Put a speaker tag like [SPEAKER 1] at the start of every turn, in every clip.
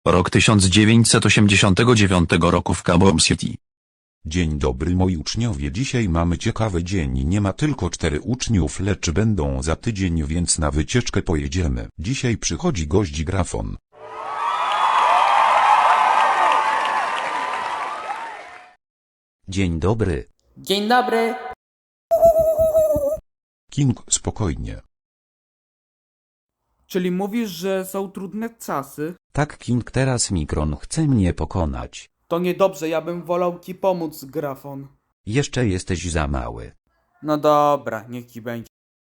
[SPEAKER 1] Rok 1989 roku w Cabo City.
[SPEAKER 2] Dzień dobry moi uczniowie, dzisiaj mamy ciekawy dzień, nie ma tylko 4 uczniów, lecz będą za tydzień, więc na wycieczkę pojedziemy. Dzisiaj przychodzi gość Grafon.
[SPEAKER 3] Dzień dobry.
[SPEAKER 4] Dzień dobry.
[SPEAKER 2] King, spokojnie.
[SPEAKER 5] Czyli mówisz, że są trudne czasy?
[SPEAKER 3] Tak, King, teraz Mikron chce mnie pokonać.
[SPEAKER 5] To niedobrze, ja bym wolał ci pomóc, Grafon.
[SPEAKER 3] Jeszcze jesteś za mały.
[SPEAKER 5] No dobra, niech ci będzie.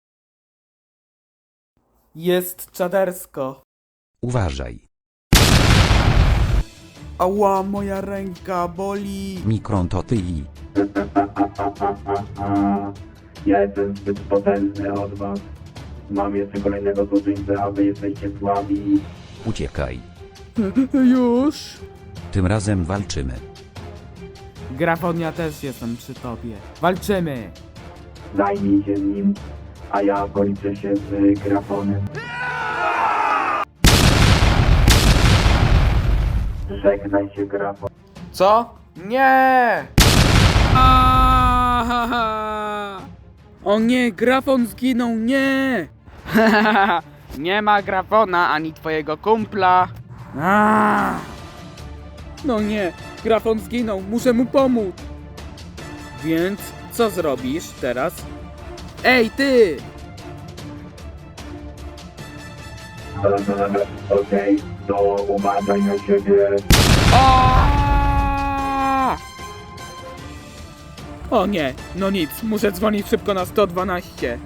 [SPEAKER 5] Jest czadersko.
[SPEAKER 3] Uważaj.
[SPEAKER 5] Ała, moja ręka boli.
[SPEAKER 3] Mikron, to ty i...
[SPEAKER 6] Ja jestem zbyt potężny od was. Mam jeszcze kolejnego złoczyńcę, a wy jesteście słabi.
[SPEAKER 3] Uciekaj.
[SPEAKER 5] Już?
[SPEAKER 3] Tym razem walczymy.
[SPEAKER 5] Grafon, ja też jestem przy tobie. Walczymy.
[SPEAKER 6] Zajmij się nim, a ja policzę się z Grafonem. Żegnaj się, Grafon.
[SPEAKER 5] Co? Nie! O nie, Grafon zginął, nie! Nie ma Grafona ani twojego kumpla. No nie, Grafon zginął, muszę mu pomóc. Więc co zrobisz teraz? Ej, ty!
[SPEAKER 6] Okej, to uważaj na siebie.
[SPEAKER 5] O nie, no nic, muszę dzwonić szybko na 112.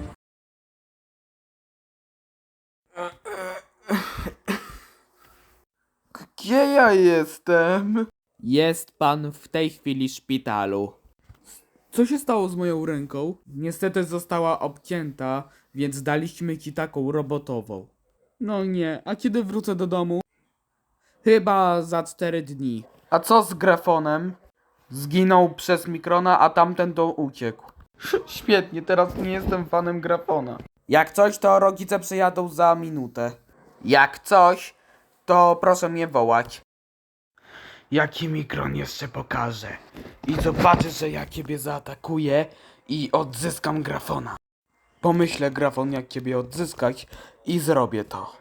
[SPEAKER 5] Gdzie ja jestem? Jest pan w tej chwili w szpitalu. Co się stało z moją ręką? Niestety została obcięta, więc daliśmy ci taką robotową. No nie, a kiedy wrócę do domu? Chyba za 4 dni. A co z Grafonem? Zginął przez Mikrona, a tamten to uciekł. Świetnie, teraz nie jestem fanem Grafona. Jak coś, to rodzice przyjadą za minutę. Jak coś, to proszę mnie wołać. Jaki Mikron jeszcze pokaże. I zobaczysz, że ja ciebie zaatakuję i odzyskam Grafona. Pomyślę, Grafon, jak ciebie odzyskać i zrobię to.